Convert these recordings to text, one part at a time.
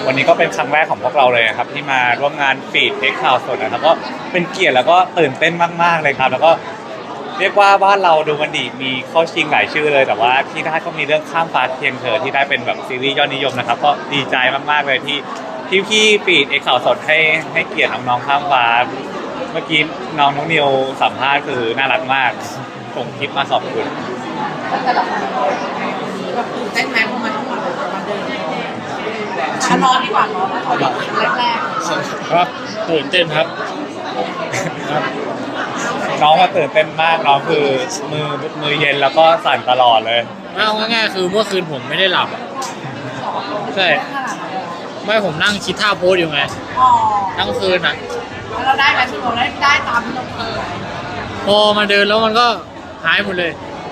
วันนี้ก็เป็นครั้งแรกของพวกเราเลยนะครับที่มาร่วมงานฟีดเทคข่าวสดนะครับก็เป็นเกียรติแล้วก็ตื่นเต้นมากๆเลยครับแล้วก็เรียกว่าบ้านเราดูมันดีมีเข้าชิงหลายชื่อเลยแต่ว่าที่ได้ก็มีเรื่องข้ามฟ้าเคียงเธอที่ได้เป็นแบบซีรีส์ยอดนิยมนะครับก็ดีใจมากๆเลยที่พี่ฟีดเทคข่าวสดให้เกียรติน้องๆข้ามฟ้าเมื่อกี้น้องนิวสัมภาษณ์คือน่ารักมากส่งคลิปมาขอบคุณแต่ละคนแบบตื่นเต้นไหมพอมาทั้งหมดเลยมาเดินร้อนดีกว่าร้อนมาตอนแรกครับตื่นเต้นครับครับน้องมาตื่นเต้นมากน้องคือมือเย็นแล้วก็สั่นตลอดเลยเอาง่ายๆคือเมื่อคืนผมไม่ได้หลับอ่ะใช่ไม่ผมนั่งคิดท่าโพสอยู่ไงทั้งคืนอ่ะแล้วเราได้ไหมที่เราได้ตามที่เราเคยพอมาเดินแล้วมันก็หายหมดเลย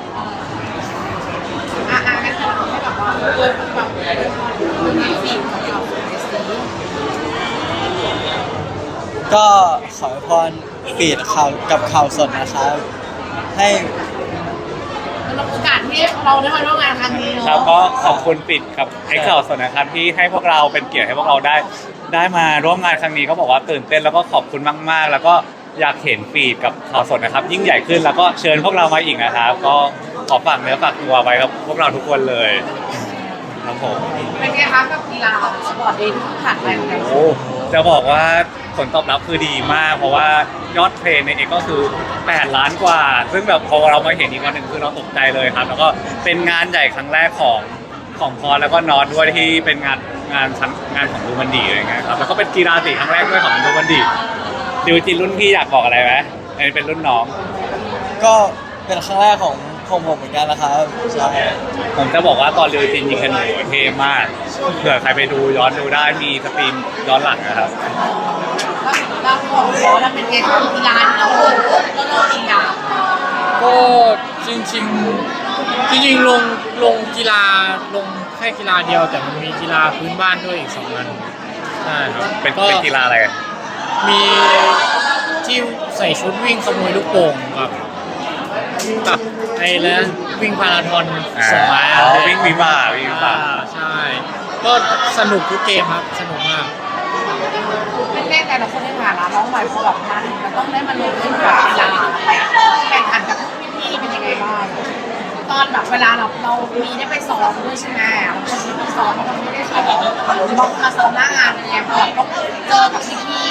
งั้นเราให้แบบว่าแบบมีฟีลของเราในซีรีส์ก็ขอพรฟีดข่าวกับข่าวสดนะครับให้เราโอกาสที่เราได้มาร่วมงานครั้งนี้เนาะครับก็ขอบคุณปิดกับเทคข่าวสดนะครับที่ให้พวกเราเป็นเกียรติให้พวกเราได้มาร่วมงานครั้งนี้ก็บอกว่าตื่นเต้นแล้วก็ขอบคุณมากๆแล้วก็อยากเห็นฟีดกับข่าวสดนะครับยิ่งใหญ่ขึ้นแล้วก็เชิญพวกเรามาอีกนะครับก็ขอฝากเนื้อฝากตัวไว้ครับพวกเราทุกคนเลยครับผมเป็นไงคะกับกีฬาสปอร์ตเดย์ที่ผ่านไปกันโอ้จะบอกว่าผลตอบรับคือดีมากเพราะว่ายอดเพลงในเอกก็คือ8 ล้านกว่าซึ่งแบบพอเรามาเห็นอีกวันหนึ่งคือเราตกใจเลยครับแล้วก็เป็นงานใหญ่ครั้งแรกของพอแล้วก็นอตด้วยที่เป็นงานของดูมันดีอะไรเงี้ยครับแล้วก็เป็นกีฬาสีครั้งแรกด้วยของดูมันดีดิวจินรุ่นพี่อยากบอกอะไรไหมอันนี้เป็นรุ่นน้องก็เป็นครั้งแรกของผมเหมือนกันนะครับใช่ผมจะบอกว่าตอนดิวจินยิงธนูเท่มากเผื่อใครไปดูย้อนดูได้มีสตรีมย้อนหลังนะครับเราบอกว่าเราเป็นเกมกีฬาเรากีฬาก็จริงลงกีฬาลงแค่กีฬาเดียวแต่มันมีกีฬาพื้นบ้านด้วยอีก2 อันใช่ครับเป็นกีฬาอะไรมีที่ใส่ชุดวิ่งขโมยลูกโป่งกับไอ้แล้ววิ่งพาราธอน2 ไม้วิ่งวิบากใช่ก็สนุกทุกเกมครับสนุกมากเป็นแรกแต่ละคนในฐานะน้องใหม่พอแบบมาถึงมันต้องได้มาลงเล่นกับกีฬาแข่งขันกับพี่เป็นยังไงบ้างตอนแบบเวลาเรามีได้ไปซ้อมด้วยใช่ไหมบางคนไม่ได้ซ้อมบางคนไม่ได้ซ้อมหรือบางคนมาซ้อมหน้างานอะไรเงี้ยพอต้องเจอกับพี่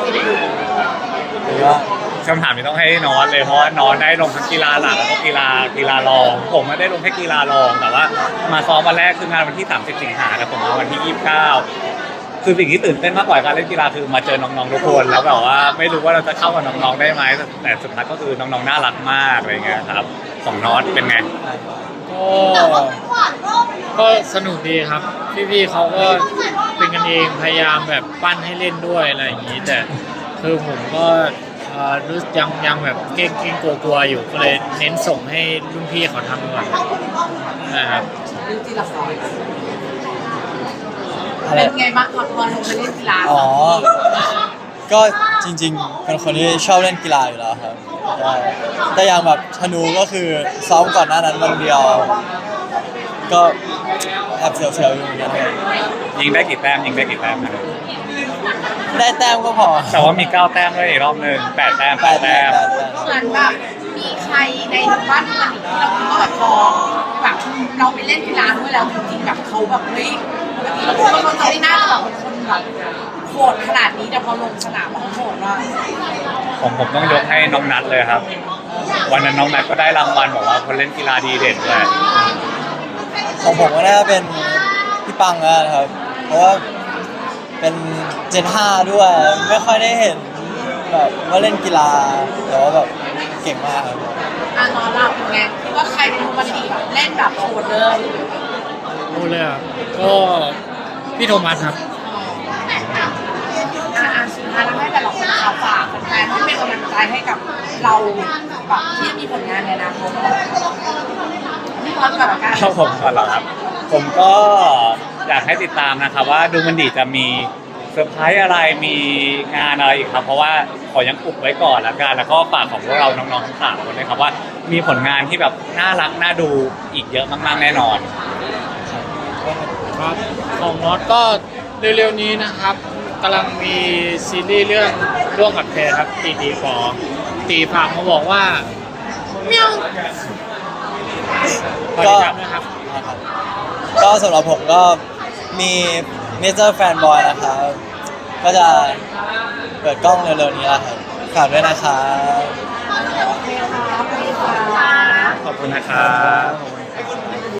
คำถามนี้ต้องให้นอนเลยเพราะว่านอนได้ลงทั้งกีฬาหลักแล้วก็กีฬารองผมไม่ได้ลงแค่กีฬารองแต่ว่ามาซ้อมวันแรกคืองานวันที่30 สิงหาคมแต่ผมมาวันที่29คือสิ่งที่ตื่นเต้นมากกว่าการเล่นกีฬาคือมาเจอน้องๆทุกคนแล้วแบบว่าไม่รู้ว่าเราจะเข้ากับน้องๆได้ไหมแต่สุดท้ายก็คือน้องๆน่ารักมากอะไรเงี้ยครับของนอตเป็นไงก็สนุกดีครับพี่ๆเขาก็เป็นกันเองพยายามแบบปั้นให้เล่นด้วยอะไรอย่างนี้แต่คือผมก็รู้ยังแบบเก่งกลัวๆอยู่ก็เลยเน้นส่งให้รุ่นพี่เขาทำก่อนนะครับเป็นไงบ้างครับพอลงไปเล่นกีฬาก็จริงๆเป็นคนที่ชอบเล่นกีฬาอยู่แล้วครับใช่แต่อย่างแบบธนูก็คือซ้อมก่อนหน้านั้นวันเดียวก็แอบเสียวๆอยู่เหมือนกันยิงได้กี่แต้มได้แต้มก็พอแต่ว่ามี9 แต้มด้วยอีกรอบนึง8 แต้มเหมือนแบบมีใครในบ้านมันที่เราคิดว่าแบบพอแบบเราไปเล่นกีฬาด้วยแล้วจริงๆแบบเขาแบบเฮ้ยเราคิดว่าเขาจะไม่น่าจะแบบเป็นคนแบบโหดขนาดนี้แต่พอลงสนามเขาโหดมากผมต้องยกให้น้องนัทเลยครับวันนั้นน้องนัทก็ได้รางวัลบอกว่าคนเล่นกีฬาดีเด่นเลยของผมก็น่าจะเป็นพี่ปังนะครับเพราะว่าเป็นเจน5ด้วยไม่ค่อยได้เห็นแบบว่าเล่นกีฬาแต่ว่าแบบเก่งมากครับนอนหลับไงคิดว่าใครเป็นคนดีแบบเล่นแบบโหดเลยเลยก็พี่โทมัสครับสุดท้ายแล้วให้แต่ละคนฝากแฟนๆที่เป็นกำลังใจให้กับเราแบบที่มีผลงานในอนาคตพี่พอดกับการเข้าผมก่อนเหรอครับผมก็อยากให้ติดตามนะครับว่าดูมันดีจะมีเซอร์ไพรส์อะไรมีงานอะไรอีกครับเพราะว่าขอยังอุบไว้ก่อนละกันแล้วก็ฝากของพวกเราน้องๆทั้ง3 คนนะครับว่ามีผลงานที่แบบน่ารักน่าดูอีกเยอะมากๆแน่นอนครับของน็อตก็เร็วๆนี้นะครับกำลังมีซีรีส์เรื่องร่วมกับเธอครับตีฝอตีฝากมาบอกว่าเมียวขอก็ติดตามด้วยครับนะครับก็สำหรับผมก็มีเมเจอร์แฟนบอยนะครับ ก็จะเปิดกล้องเร็วๆนี้แล้วครับฝากด้วยนะครับโอเคครับขอบคุณนะครับ